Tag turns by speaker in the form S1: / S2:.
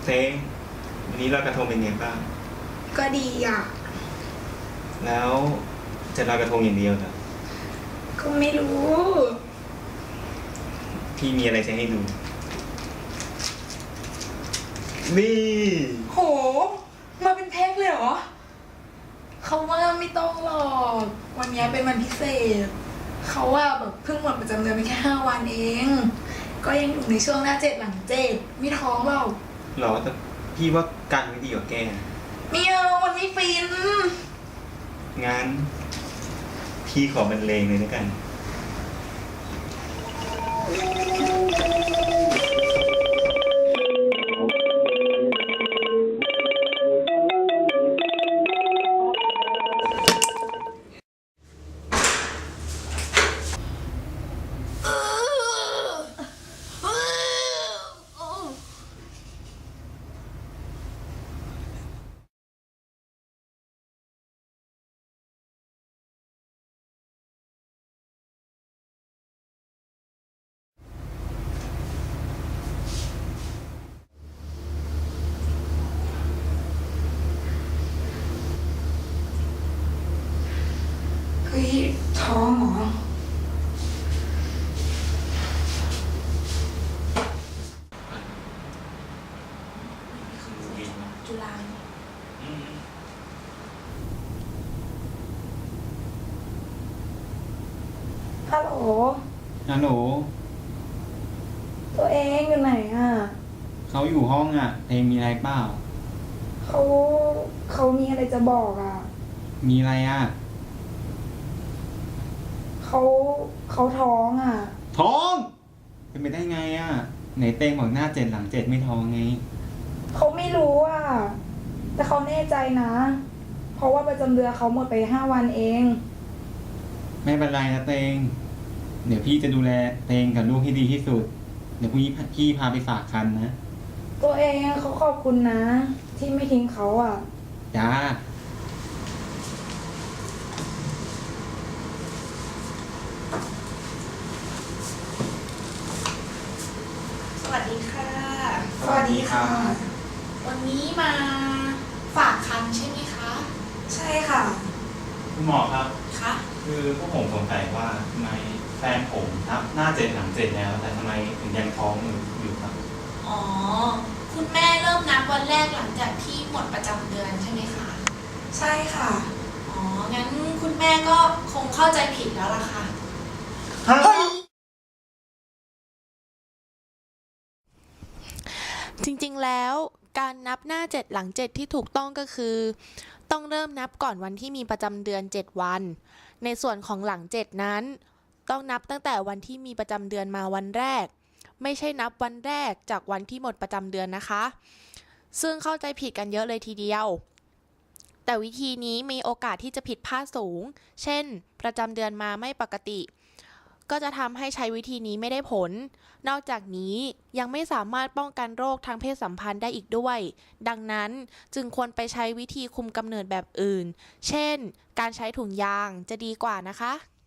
S1: เต้งวันนี้ลอยกระทงเป็นไงบ้าง
S2: ก็ดีอ่ะ
S1: แล้วจะลอยกระทงอย่างเดียวเหรอ
S2: ก็ไม่รู้
S1: พี่มีอะไรจะให้ดูนี่
S2: โหมาเป็นแพ็คเลยเหรอเขาว่าไม่ต้องหรอกวันนี้เป็นวันพิเศษเขาว่าแบบเพิ่งหมดประจำเดือนไปแค่5 วันเองก็ยังอยู่ในช่วงหน้า7หลัง7ไม่ท้องหรอก
S1: หรอแต่พี่ว่ากันไม่ดีกว่าแก
S2: ไม่เอาวันไม่ฟิน
S1: งั้นพี่ขอบรรเลงเลยแล้วกัน
S2: เฮ้ยท้องเหรอจุฬาฮัลโหล
S1: หนู
S2: ตัวเองอยู่ไหนอ่ะ
S1: เขาอยู่ห้องอ่ะเองมีอะไรเปล่า
S2: เขามีอะไรจะบอกอ่ะ
S1: มีอะไรอ่ะ
S2: เขาท้องอ่ะ
S1: ท้องเป็นไปได้ไงอ่ะไหนเต้งบอกหน้า7หลัง7ไม่ท้องไง
S2: เขาไม่รู้อ่ะแต่เขาแน่ใจนะเพราะว่าประจำเดือนเขาหมดไป5 วันเอง
S1: ไม่เป็นไรนะเต้งเดี๋ยวพี่จะดูแลเต้งกับลูกให้ดีที่สุดเดี๋ยวพี่พาไปฝากครรภ์นะ
S2: ตัวเองเขาขอบคุณนะที่ไม่ทิ้งเขาอ่ะ
S1: จ้า
S3: สวัสดีค่ะ
S1: สวัสดีค่ะ
S3: วันนี้มาฝากคันใช่ไหมคะ
S2: ใช่ค่ะ
S1: คุณหมอครับ
S3: คะ
S1: คือพวกผมสงสัยว่าทำไมแฟนผมนับหน้า7หลัง7แล้วแต่ทำไมถึงยังท้องอยู่ครับ
S3: อ๋อคุณแม่เริ่มนับวันแรกหลังจากที่หมดประจำเดือนใช่ไหมคะ
S2: ใช่ค่ะ
S3: อ๋องั้นคุณแม่ก็คงเข้าใจผิดแล้วล่ะค่ะจริงๆแล้วการนับหน้า7หลัง7ที่ถูกต้องก็คือต้องเริ่มนับก่อนวันที่มีประจำเดือน7 วันในส่วนของหลัง7นั้นต้องนับตั้งแต่วันที่มีประจำเดือนมาวันแรกไม่ใช่นับวันแรกจากวันที่หมดประจำเดือนนะคะซึ่งเข้าใจผิดกันเยอะเลยทีเดียวแต่วิธีนี้มีโอกาสที่จะผิดพลาดสูงเช่นประจำเดือนมาไม่ปกติก็จะทำให้ใช้วิธีนี้ไม่ได้ผลนอกจากนี้ยังไม่สามารถป้องกันโรคทางเพศสัมพันธ์ได้อีกด้วยดังนั้นจึงควรไปใช้วิธีคุมกำเนิดแบบอื่นเช่นการใช้ถุงยางจะดีกว่านะคะ